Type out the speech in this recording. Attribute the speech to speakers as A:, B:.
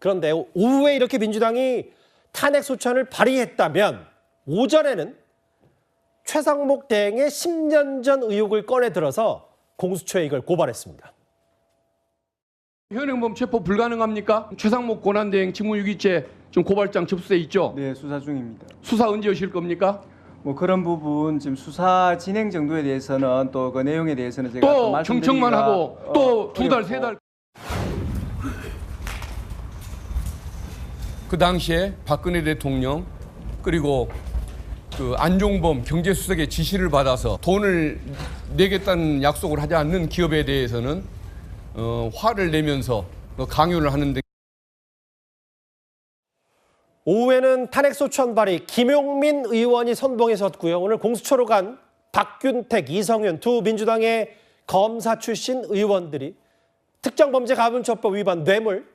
A: 그런데 오후에 이렇게 민주당이 탄핵 소추안을 발의했다면 오전에는 최상목 대행의 10년 전 의혹을 꺼내 들어서 공수처에 이걸 고발했습니다.
B: 현행범 체포 불가능합니까? 최상목 권한대행 직무유기죄 지금 고발장 접수돼 있죠?
C: 네, 수사 중입니다.
B: 수사 언제 하실 겁니까?
C: 뭐 그런 부분 지금 수사 진행 정도에 대해서는 또 그 내용에 대해서는 제가
B: 또 경청만 하고 또 두 달, 세 달. 그 당시에 박근혜 대통령 그리고 그 안종범 경제수석의 지시를 받아서 돈을 내겠다는 약속을 하지 않는 기업에 대해서는 화를 내면서 강요를 하는데.
A: 오후에는 탄핵소추안 발의 김용민 의원이 선봉에 섰고요. 오늘 공수처로 간 박균택, 이성윤 두 민주당의 검사 출신 의원들이 특정범죄 가분처법 위반 뇌물,